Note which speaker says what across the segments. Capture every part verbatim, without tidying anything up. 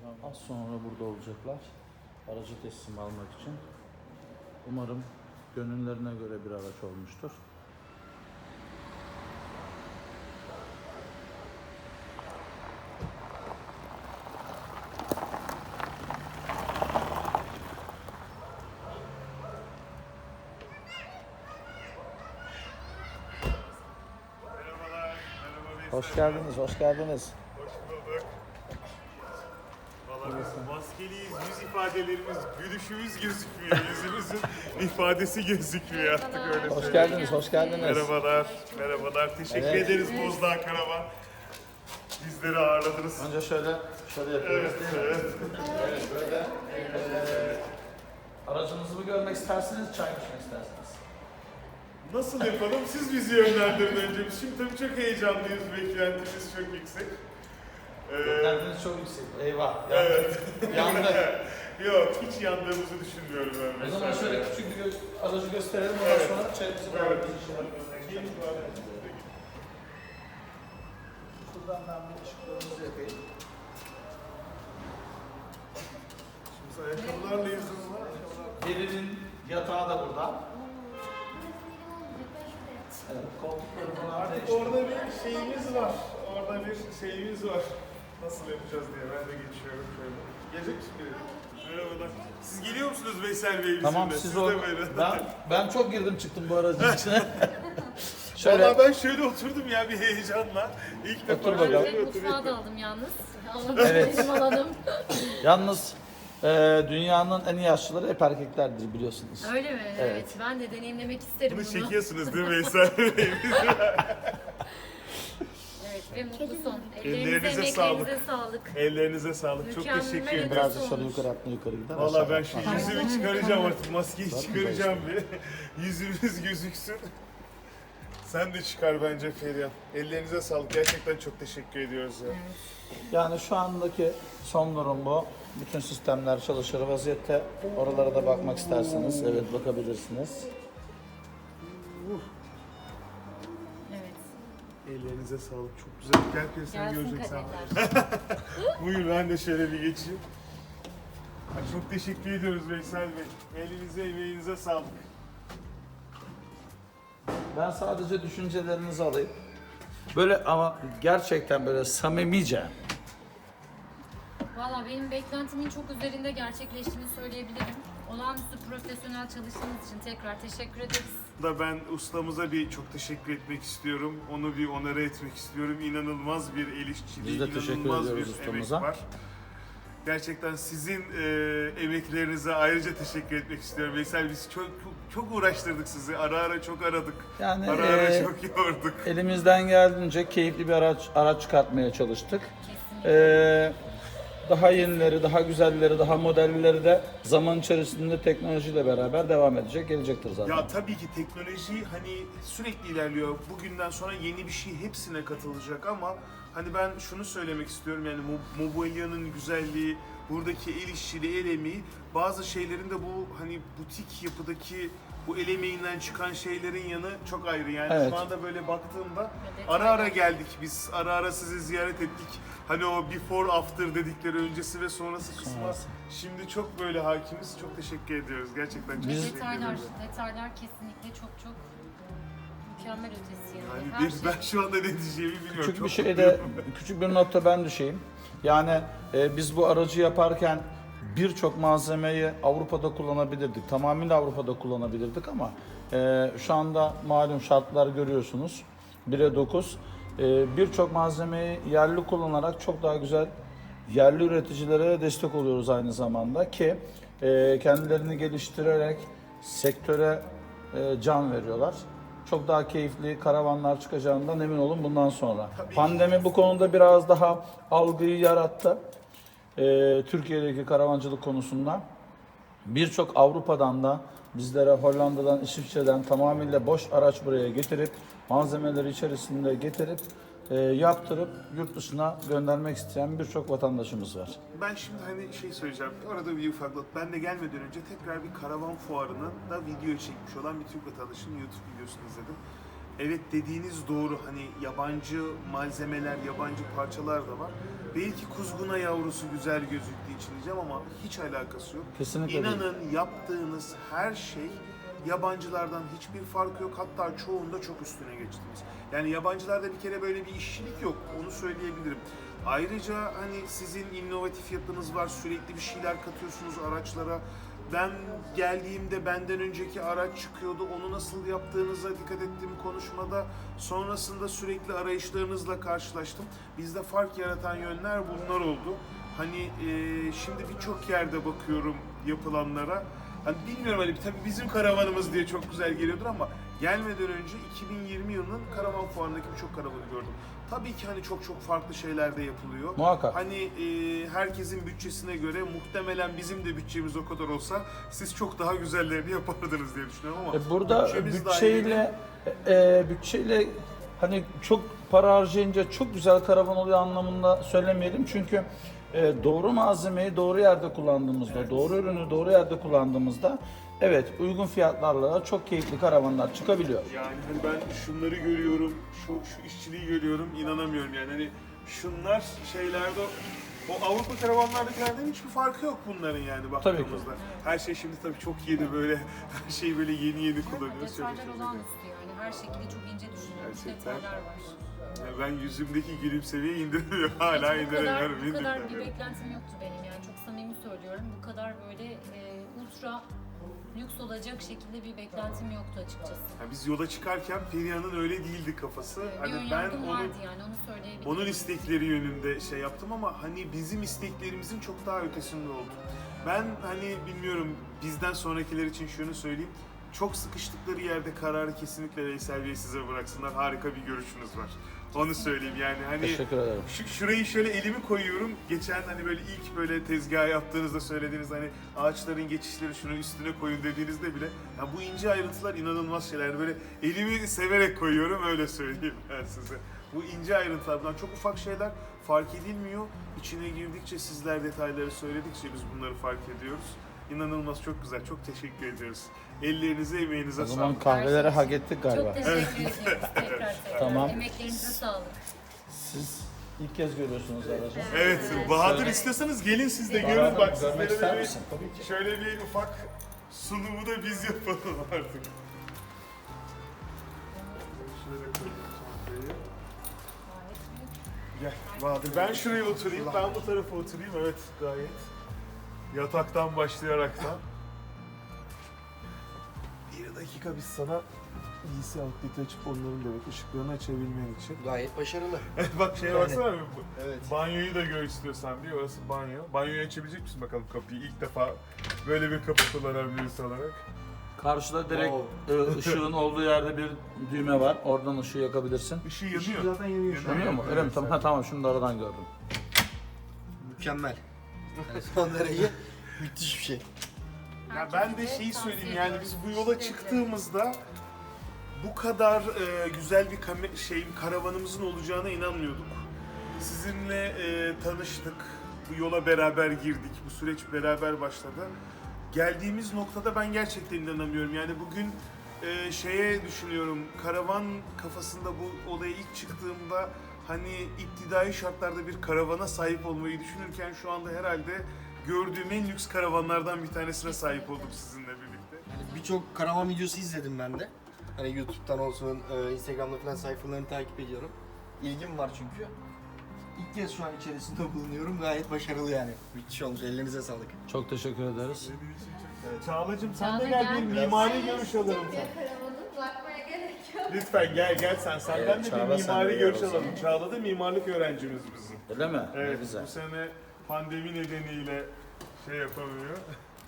Speaker 1: Az sonra burada olacaklar. Aracı teslim almak için. Umarım gönüllerine göre bir araç olmuştur.
Speaker 2: Merhabalar, merhaba Veysel.
Speaker 1: Hoş geldiniz, hoş geldiniz.
Speaker 2: Hoş bulduk. Valla biz maskeliyiz, yüz ifadelerimiz, gülüşümüz gözükmüyor, yüzümüzün ifadesi gözükmüyor artık öyle
Speaker 1: Hoş
Speaker 2: söyleyeyim.
Speaker 1: geldiniz, hoş geldiniz.
Speaker 2: Merhabalar, merhabalar. Teşekkür
Speaker 1: Evet.
Speaker 2: ederiz Bozdağ Karavan. Bizleri ağırladınız.
Speaker 1: Önce şöyle, şöyle yapıyoruz
Speaker 2: Evet,
Speaker 1: değil mi?
Speaker 2: evet.
Speaker 1: Evet, böyle. Eee aracınızı mı görmek istersiniz, çay mı içmek istersiniz?
Speaker 2: Nasıl yapalım? Siz bizi yönlendirin önce. Biz şimdi tabii çok heyecanlıyız, beklentimiz çok yüksek. Ee,
Speaker 1: Beklentiniz çok yüksek. Eyvah.
Speaker 2: evet.
Speaker 1: Yandık.
Speaker 2: Yok, hiç yandığımızı düşünmüyorum ben.
Speaker 1: O zaman
Speaker 2: mesela.
Speaker 1: şöyle küçük bir gö- aracı gösterelim, ondan
Speaker 2: Evet.
Speaker 1: sonra çayımızı
Speaker 2: Evet.
Speaker 1: bırakırız.
Speaker 2: Gelin var.
Speaker 1: Şuradan ben bir ışıklarımızı yakayım.
Speaker 2: Biz ayakkabılarla yazılı var.
Speaker 1: Birinin yatağı da burada. Evet, koltukları falan
Speaker 2: Artık
Speaker 1: değişti.
Speaker 2: orada bir şeyimiz var. Orada bir şeyimiz var. Nasıl yapacağız diye ben de geçiyorum şöyle. Gelecek misin biri? Merhabalar. Siz geliyor musunuz Veysel Bey bizimle?
Speaker 1: Tamam, siz
Speaker 2: de
Speaker 1: o...
Speaker 2: böyle.
Speaker 1: Ben, ben çok girdim çıktım bu aracın içine. Şöyle,
Speaker 2: Valla ben şöyle oturdum ya bir heyecanla. İlk defa
Speaker 1: Otur bakalım.
Speaker 2: şöyle
Speaker 3: Ben mutfağa
Speaker 2: oturuyorum.
Speaker 3: daldım yalnız. Alanım
Speaker 1: Evet.
Speaker 3: benim alanım.
Speaker 1: yalnız e, dünyanın en iyi aşçıları hep erkeklerdir biliyorsunuz.
Speaker 3: Öyle mi?
Speaker 1: Evet.
Speaker 3: Evet. Ben de deneyimlemek isterim
Speaker 2: Bunu
Speaker 3: bunu.
Speaker 2: çekiyorsunuz değil mi Veysel Bey?
Speaker 3: Evet ve mutlu son.
Speaker 2: Ellerinize
Speaker 3: Ellerinize,
Speaker 2: sağlık.
Speaker 3: emeklerinize sağlık.
Speaker 2: Ellerinize sağlık. Çok
Speaker 3: Mükemmel
Speaker 2: teşekkür
Speaker 3: ödül.
Speaker 2: ederim.
Speaker 1: Biraz
Speaker 3: Nasıl
Speaker 1: dışarı
Speaker 3: olmuş?
Speaker 1: yukarı atma yukarı gider.
Speaker 2: Valla
Speaker 1: aşağı
Speaker 2: ben
Speaker 1: atma.
Speaker 2: şu yüzümü çıkaracağım artık. Maskeyi
Speaker 1: Zaten
Speaker 2: çıkaracağım bir. Yüzümüz gözüksün. Sen de çıkar bence Feriha. Ellerinize sağlık. Gerçekten çok teşekkür ediyoruz ya.
Speaker 1: Yani şu andaki son durum bu. Bütün sistemler çalışır vaziyette. Oralara da bakmak isterseniz evet bakabilirsiniz.
Speaker 3: Evet.
Speaker 2: Ellerinize sağlık. Çok güzel. Gel Feriha sen
Speaker 3: Gelsin
Speaker 2: göreceksin.
Speaker 3: kaderler.
Speaker 2: Buyur ben de şöyle bir geçeyim. Ay, çok teşekkür ediyoruz Veysel Bey. Elinize emeğinize sağlık.
Speaker 1: Ben sadece düşüncelerinizi alayım. Böyle ama gerçekten böyle samimice.
Speaker 3: Valla benim beklentimin çok üzerinde gerçekleştiğini söyleyebilirim. Olağanüstü profesyonel çalıştığınız için tekrar teşekkür ederiz.
Speaker 2: Da ben ustamıza bir çok teşekkür etmek istiyorum. Onu bir onore etmek istiyorum. İnanılmaz bir el işçiliği,
Speaker 1: Biz de teşekkür
Speaker 2: inanılmaz
Speaker 1: ediyoruz
Speaker 2: bir
Speaker 1: ustamıza.
Speaker 2: emek var. Gerçekten sizin e, emeklerinize ayrıca teşekkür etmek istiyorum. Veysel biz çok çok, çok uğraştırdık sizi. Ara ara çok aradık.
Speaker 1: Yani
Speaker 2: Ara ara
Speaker 1: e,
Speaker 2: çok yorduk.
Speaker 1: elimizden geldiğince keyifli bir araç araç çıkartmaya çalıştık.
Speaker 3: Kesinlikle.
Speaker 1: Ee, daha yenileri, daha güzelleri, daha modelleri de zaman içerisinde teknolojiyle beraber devam edecek, gelecektir zaten.
Speaker 2: Ya tabii ki teknoloji hani sürekli ilerliyor. Bugünden sonra yeni bir şey hepsine katılacak ama hani ben şunu söylemek istiyorum yani Mo- Mobilya'nın güzelliği, buradaki el işçiliği, el emeği, bazı şeylerin de bu hani butik yapıdaki bu el emeğinden çıkan şeylerin yanı çok ayrı. Yani
Speaker 1: Evet.
Speaker 2: şu anda böyle baktığımda
Speaker 3: Evet,
Speaker 2: ara ara
Speaker 3: aynen.
Speaker 2: geldik biz, ara ara sizi ziyaret ettik. Hani o before after dedikleri öncesi ve sonrası kısmı
Speaker 1: Sonrası.
Speaker 2: şimdi çok böyle hakimiz. Çok teşekkür ediyoruz. Gerçekten çok
Speaker 3: Ve
Speaker 2: teşekkür
Speaker 3: detaylar,
Speaker 2: ediyoruz.
Speaker 3: detaylar kesinlikle çok çok mükemmel ötesi yani.
Speaker 2: Yani
Speaker 3: Her
Speaker 2: bir,
Speaker 3: şey.
Speaker 2: ben şu anda ne diyeceğimi bilmiyorum.
Speaker 1: Küçük
Speaker 2: Çok
Speaker 1: bir şeyde,
Speaker 2: mutluyum.
Speaker 1: küçük bir notta ben düşeyim. Yani e, biz bu aracı yaparken birçok malzemeyi Avrupa'da kullanabilirdik. Tamamıyla Avrupa'da kullanabilirdik ama e, şu anda malum şartlar görüyorsunuz. bire dokuz. E, birçok malzemeyi yerli kullanarak çok daha güzel yerli üreticilere destek oluyoruz aynı zamanda ki e, kendilerini geliştirerek sektöre e, can veriyorlar. Çok daha keyifli karavanlar çıkacağından emin olun bundan sonra.
Speaker 2: Tabii.
Speaker 1: Pandemi bu konuda biraz daha algıyı yarattı. Ee, Türkiye'deki karavancılık konusunda. Birçok Avrupa'dan da bizlere Hollanda'dan, İsviçre'den tamamıyla boş araç buraya getirip malzemeleri içerisinde getirip e, yaptırıp yurt dışına göndermek isteyen birçok vatandaşımız var.
Speaker 2: Ben şimdi hani şey söyleyeceğim. Orada bir ufaklık. Ben de gelmeden önce tekrar bir karavan fuarının da video çekmiş olan bir Türk vatandaşının YouTube videosunu izledim. evet dediğiniz doğru, hani yabancı malzemeler, yabancı parçalar da var. Belki kuzguna yavrusu güzel gözüktüğü için diyeceğim ama hiç alakası yok.
Speaker 1: Kesinlikle değil.
Speaker 2: İnanın yaptığınız her şey yabancılardan hiçbir farkı yok. Hatta çoğunda çok üstüne geçtiniz. Yani yabancılarda bir kere böyle bir işçilik yok. Onu söyleyebilirim. Ayrıca hani sizin inovatif yapınız var. Sürekli bir şeyler katıyorsunuz araçlara. Ben geldiğimde benden önceki araç çıkıyordu. Onu nasıl yaptığınıza dikkat ettim konuşmada. Sonrasında sürekli arayışlarınızla karşılaştım. Bizde fark yaratan yönler bunlar oldu. Hani e, şimdi birçok yerde bakıyorum yapılanlara. Hani bilmiyorum, hani tabii bizim karavanımız diye çok güzel geliyordur ama gelmeden önce iki bin yirmi yılının karavan fuarındaki birçok karavanı gördüm. Tabii ki hani çok çok farklı şeyler de yapılıyor.
Speaker 1: Muhakkak.
Speaker 2: Hani e, herkesin bütçesine göre muhtemelen bizim de bütçemiz o kadar olsa siz çok daha güzellerini yapardınız diye düşünüyorum ama
Speaker 1: E, Burada
Speaker 2: bütçemiz
Speaker 1: bütçeyle e, bütçeyle hani çok para harcayınca çok güzel karavan oluyor anlamında söylemeyelim. Çünkü e, doğru malzemeyi doğru yerde kullandığımızda, doğru ürünü doğru yerde kullandığımızda evet uygun fiyatlarla çok keyifli karavanlar çıkabiliyor.
Speaker 2: Yani hani ben şunları görüyorum, şu, şu işçiliği görüyorum, inanamıyorum yani hani şunlar şeylerde, o Avrupa karavanlardakilerden hiçbir farkı yok bunların yani baktığımızda. Her şey şimdi tabii çok yeni, böyle her şeyi böyle yeni yeni kullanıyoruz.
Speaker 3: Detaylar olağanüstü yani. Her şekilde çok ince düşünülmüş
Speaker 2: Gerçekten.
Speaker 3: detaylar var.
Speaker 2: Yani ben yüzümdeki gülümsemeyi indiremiyorum, hala
Speaker 3: Hiç bu kadar,
Speaker 2: indiremiyorum.
Speaker 3: bu kadar bir
Speaker 2: indiremiyorum.
Speaker 3: beklentim yoktu benim yani. Çok samimi söylüyorum. Bu kadar böyle e, ultra lüks olacak şekilde bir beklentim yoktu açıkçası.
Speaker 2: Yani biz yola çıkarken Perihan'ın öyle değildi kafası.
Speaker 3: Bir
Speaker 2: Hani ben
Speaker 3: önyargım
Speaker 2: onun,
Speaker 3: vardı yani, onu söyleyebilirim.
Speaker 2: onun istekleri yönünde şey yaptım ama hani bizim isteklerimizin çok daha ötesinde oldu. Ben hani bilmiyorum, bizden sonrakiler için şunu söyleyeyim. Çok sıkıştıkları yerde kararı kesinlikle Veysel Bey size bıraksınlar. Harika bir görüşünüz var. Onu söyleyeyim yani hani
Speaker 1: Teşekkür ederim.
Speaker 2: şu, şurayı şöyle elimi koyuyorum. Geçen hani böyle ilk böyle tezgah yaptığınızda söylediğiniz hani ağaçların geçişleri şunu üstüne koyun dediğinizde bile ya bu ince ayrıntılar inanılmaz şeyler. Yani böyle elimi severek koyuyorum, öyle söyleyeyim ben size. Bu ince ayrıntılar, bunlar çok ufak şeyler, fark edilmiyor. İçine girdikçe, sizler detayları söyledikçe biz bunları fark ediyoruz. İnanılmaz, çok güzel, çok teşekkür ediyoruz. Ellerinize, emeğinize
Speaker 1: O zaman
Speaker 2: sağlık.
Speaker 1: kahveleri hak ettik galiba.
Speaker 3: Çok teşekkür ediyoruz tekrar tekrar.
Speaker 1: Tamam.
Speaker 3: Emeklerinize sağlık.
Speaker 1: Siz ilk kez görüyorsunuz aracı.
Speaker 2: Evet, Bahadır istiyorsanız gelin siz de görün bak,
Speaker 1: Görmek
Speaker 2: sizlere
Speaker 1: ister
Speaker 2: de
Speaker 1: misin?
Speaker 2: bir, şöyle bir ufak sunumu da biz yapalım artık. Şöyle koyayım çantayı. Gel Bahadır, ben şuraya oturayım, ben bu tarafa oturayım, evet gayet. Yataktan başlayaraktan. Bir dakika biz sana P C outleti açıp onların da bak ışıklarını açabilmen için.
Speaker 4: Gayet başarılı.
Speaker 2: Bak şeye
Speaker 4: Yani.
Speaker 2: baksana abi.
Speaker 4: Evet.
Speaker 2: Banyoyu da gör istiyorsan diye, orası banyo. Banyoyu açabilecek misin bakalım kapıyı? İlk defa böyle bir kapı kullanan birisi olarak.
Speaker 1: Karşıda direkt
Speaker 4: Wow.
Speaker 1: e, ışığın olduğu yerde bir düğme var. Oradan ışığı yakabilirsin.
Speaker 2: Işığı
Speaker 4: Işık
Speaker 2: yanıyor.
Speaker 4: zaten yanıyor şu an.
Speaker 1: Yanıyor mu? Öyle mi? Tamam, ha, tamam şimdi de aradan gördüm.
Speaker 4: Mükemmel. Yani son derece müthiş bir şey.
Speaker 2: Ya ben de şeyi söyleyeyim, yani biz bu yola çıktığımızda bu kadar e, güzel bir kame- şeyin karavanımızın olacağına inanmıyorduk. Sizinle e, tanıştık, bu yola beraber girdik, bu süreç beraber başladı. Geldiğimiz noktada ben gerçekten inanamıyorum. Yani bugün e, şeye düşünüyorum, karavan kafasında bu olaya ilk çıktığımda hani iptidai şartlarda bir karavana sahip olmayı düşünürken şu anda herhalde gördüğüm en lüks karavanlardan bir tanesine sahip olduk sizinle birlikte.
Speaker 4: Yani birçok karavan videosu izledim ben de. Hani YouTube'dan olsun, e, Instagram'da falan sayfalarını takip ediyorum. İlgim var çünkü. İlk kez şu an içerisinde bulunuyorum. Gayet başarılı yani. Müthiş olmuş. Ellerinize sağlık.
Speaker 1: Çok teşekkür ederiz.
Speaker 2: Çağla'cığım sen
Speaker 3: Çağla
Speaker 2: de gel,
Speaker 3: gel.
Speaker 2: bir mimari görüş alalım.
Speaker 5: Karavanı bakmaya gerek yok.
Speaker 2: Lütfen gel gel sen, senden
Speaker 1: Evet,
Speaker 2: de
Speaker 1: Çağla
Speaker 2: bir
Speaker 1: sen de
Speaker 2: mimari
Speaker 1: gel
Speaker 2: görüş
Speaker 1: o zaman.
Speaker 2: alalım. Çağla da mimarlık öğrencimiz bizim.
Speaker 1: Öyle mi? Ne
Speaker 2: Evet,
Speaker 1: güzel.
Speaker 2: bu sene pandemi nedeniyle şey yapamıyor.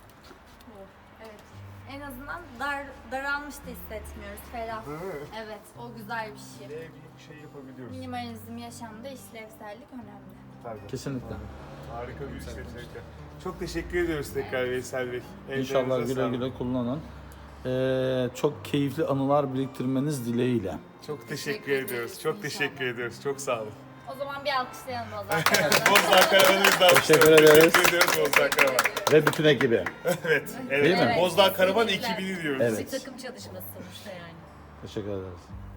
Speaker 5: Evet. En azından dar, daralmış da hissetmiyoruz. Ferah.
Speaker 2: Değil mi?
Speaker 5: Evet, o güzel bir şey.
Speaker 2: Ne bir şey yapabiliyoruz.
Speaker 5: Minimalizm yaşamda işlevsellik önemli.
Speaker 2: Tabii.
Speaker 1: Kesinlikle.
Speaker 2: Harika bir işletmekte. Çok teşekkür ediyoruz tekrar Veysel Bey.
Speaker 1: İnşallah
Speaker 2: Ellerinize
Speaker 1: güle
Speaker 2: sağlık.
Speaker 1: güle kullanın. Ee, çok keyifli anılar biriktirmeniz dileğiyle.
Speaker 2: Çok teşekkür,
Speaker 5: Teşekkür
Speaker 2: ediyoruz.
Speaker 5: ederiz,
Speaker 2: Çok
Speaker 5: inşallah.
Speaker 2: teşekkür ediyoruz. Çok sağ olun.
Speaker 5: O zaman bir alkışlayalım o zaman.
Speaker 2: Bozdağ Karavan'ımızdan
Speaker 1: Teşekkür ederiz.
Speaker 2: Teşekkür ediyoruz Bozdağ Karavan.
Speaker 1: Ve bütün ekibi.
Speaker 2: Evet. Evet.
Speaker 1: Değil mi?
Speaker 2: Bozdağ Karavan
Speaker 3: kesinlikle.
Speaker 2: ekibini diyoruz.
Speaker 1: Evet.
Speaker 3: Bir takım çalışması sonuçta yani.
Speaker 1: Teşekkür ederiz.